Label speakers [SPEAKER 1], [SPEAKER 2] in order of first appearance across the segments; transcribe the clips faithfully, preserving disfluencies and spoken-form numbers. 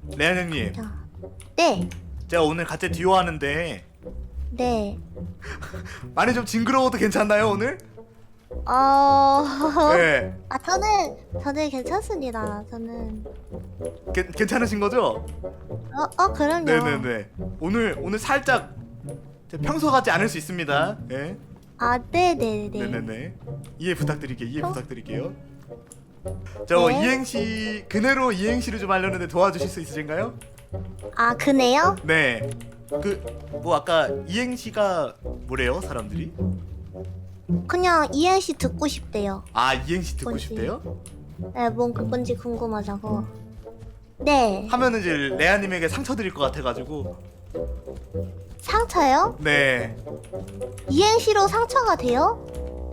[SPEAKER 1] 레안 형님,
[SPEAKER 2] 자, 네,
[SPEAKER 1] 제가 오늘 같이 듀오 하는데
[SPEAKER 2] 네.
[SPEAKER 1] 많이 좀 징그러워도 괜찮나요 오늘?
[SPEAKER 2] 어,
[SPEAKER 1] 네,
[SPEAKER 2] 아 저는 저는 괜찮습니다. 저는
[SPEAKER 1] 게, 괜찮으신 거죠?
[SPEAKER 2] 어, 어 그럼요.
[SPEAKER 1] 네네네. 오늘 오늘 살짝 제 평소 같지 않을 수 있습니다. 네,
[SPEAKER 2] 아, 네, 네, 네.
[SPEAKER 1] 네네네. 이해 부탁드릴게요. 이해 부탁드릴게요. 저
[SPEAKER 2] 네.
[SPEAKER 1] 이행시 그대로 이행시를 좀 하려는데 도와주실 수 있으신가요?
[SPEAKER 2] 아, 그네요?
[SPEAKER 1] 네. 그 뭐 아까 이행시가 뭐래요 사람들이?
[SPEAKER 2] 그냥 이행시 듣고 싶대요.
[SPEAKER 1] 아 이행시 듣고
[SPEAKER 2] 뭔지.
[SPEAKER 1] 싶대요?
[SPEAKER 2] 네, 뭔 그건지 궁금하자고. 네.
[SPEAKER 1] 하면은 이제 레아님에게 상처 드릴 것 같아가지고.
[SPEAKER 2] 상처요?
[SPEAKER 1] 네.
[SPEAKER 2] 이행시로 상처가 돼요?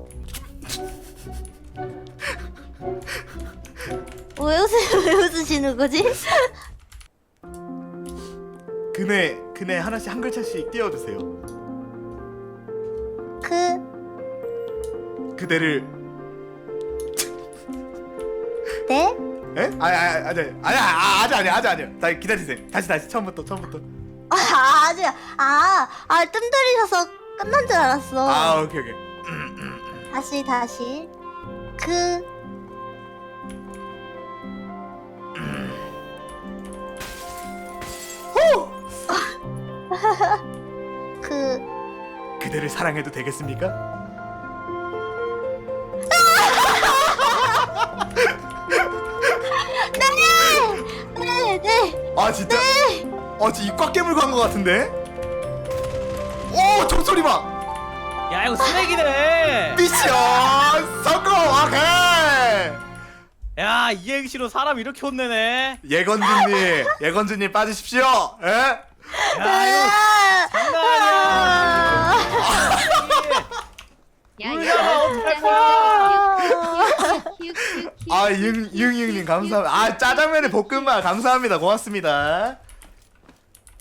[SPEAKER 2] 왜 웃으 왜 웃으시는 거지?
[SPEAKER 1] 그네 그네 하나씩 한 글자씩 띄워주세요.
[SPEAKER 2] 그,
[SPEAKER 1] 그대를.
[SPEAKER 2] 네?
[SPEAKER 1] 에? 아니 아니 아니 아니 아 아직 아니 아직 아니요. 다 기다리세요. 다시 다시 처음부터 처음부터.
[SPEAKER 2] 아, 아직 아, 아, 뜸 들이셔서 끝난 줄 알았어.
[SPEAKER 1] 아 오케이 오케이.
[SPEAKER 2] 다시 다시. 그,
[SPEAKER 1] 호!
[SPEAKER 2] 그,
[SPEAKER 1] 그대를 사랑해도 되겠습니까?
[SPEAKER 2] 네, 네.
[SPEAKER 1] 아 진짜? 아 진짜 입 꽉 깨물고 한 것 같은데? 오 종소리 봐!
[SPEAKER 3] 야 이거 쓰레기네.
[SPEAKER 1] 미션 성공! 오케이!
[SPEAKER 3] 야 이행시로 사람 이렇게 혼내네.
[SPEAKER 1] 예건준님 예건준님 빠지십시오! 에?
[SPEAKER 3] 야 이거 장난 아니야. 울잖아 어떡할 거야.
[SPEAKER 1] 아, 융, 융융님 감사합니다. 아, 짜장면에 볶음밥 감사합니다. 고맙습니다.